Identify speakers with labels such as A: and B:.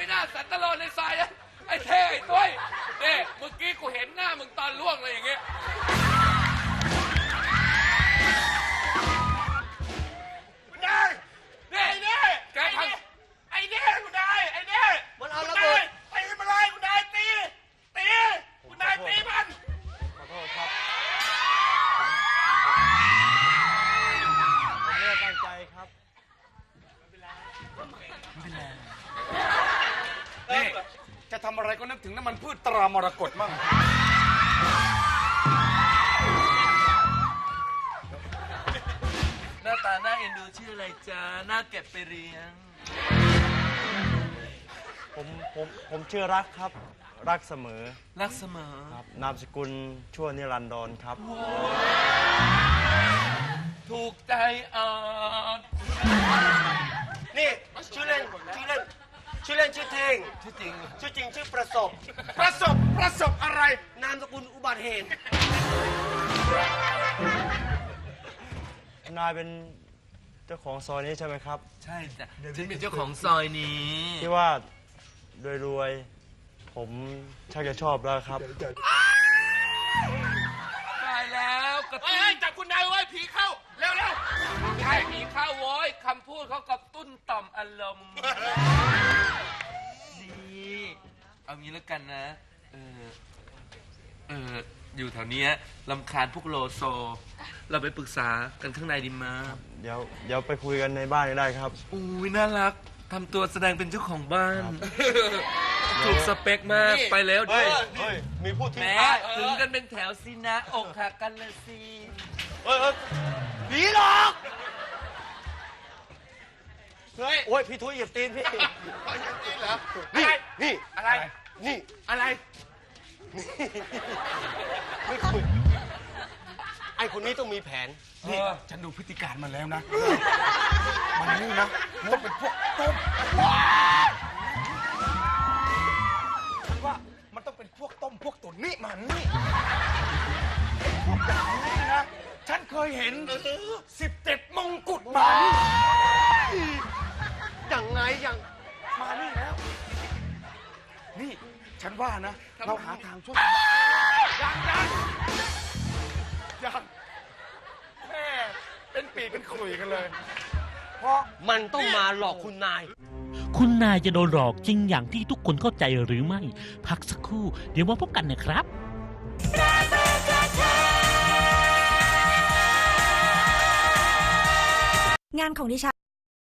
A: ไม่น่าสันตโลในทรายไอ้เท่ไอ้ต้อยเนี่ยเมื่อกี้กูเห็นหน้ามึงตอนล่วงเลยอย่างเงี้ย
B: คุณนายไอ้เนี่ยไอ้เนี่ยคุณนายไอ้เนี่ยมันเอาระเบิดตีมันเลยคุณนายตีคุณนายตีมัน
C: ขอโทษครับผมไม่ได้ตั้งใจครับ
A: นี่จะทำอะไรก็นึกถึงน้ำมันพืชตรามรกตมั่ง
D: หน้าตาหน้าเอ็นดูชื่ออะไรจ๊ะหน้าเก็บไปเลี้ยง
C: ผมชื่อรักครับรักเสมอ
D: รักเสมอ
C: ครับนามสกุลชั่วนิรันดรครับ
D: ถูกใจ
B: นี่ชื่อเล่นชื่อเท่งชื่อจริงชื่อประสบอะไรนามสกุลอุบัติเหตุ
C: นายเป็นเจ้าของซอยนี้ใช่ไหมครับ
D: ใช่จ้ะฉันเป็นเจ้าของซอยนี้
C: ที่ว่ารวยผมชักจะชอบแล้วครับ
D: ตายแล้วกระตุ้น
B: จับคุณนายไว้ผีเข้าเร็ว
D: ใช่ผีเข้าโว้ยคำพูดเขากระตุ้นต่อมอารมณ์นี่เอางี้แล้วกันนะอยู่แถวนี้รำคาญพวกโลโซเราไปปรึกษากันข้างในดีมา
C: เดี๋ยวไปคุยกันในบ้านก็ได้ครับ
D: อุ้ยน่ารักทำตัวแสดงเป็นเจ้าของบ้านถูกสเปคมากไปแล้ว
C: เฮ้ยมีพูดที่
D: แม้ถึงกันเป็นแถวสินะอกหักกันเลยสิ
C: ผีหลอกเฮ้ยโอ้ยพี่ทุยเหยียบตีนพี่
B: เหรอนี่อะไรนี่อะไรไม่คุยไอ้คนนี้ต้องมีแผน
A: นี่ฉันดูพฤติการมันแล้วนะมันนี่นะต้องเป็นพวกต้มฉันว่ามันต้องเป็นพวกต้มพวกตุ๋นนี่มันนี่พวกอย่างนี้นะฉันเคยเห็น17 มงกุฎมัน
B: อย่างไงอย่าง
A: มานี่แล้วนี่ฉันว่านะเราหาทางช่วยยังแม่เป็นปีเป็นขลุ่ยกันเลยเพราะ
B: มันต้องมาหลอกคุณนาย
E: คุณนายจะโดนหลอกจริงอย่างที่ทุกคนเข้าใจหรือไม่พักสักครู่เดี๋ยวมาพบกันนะครับ
F: งานของดิฉัน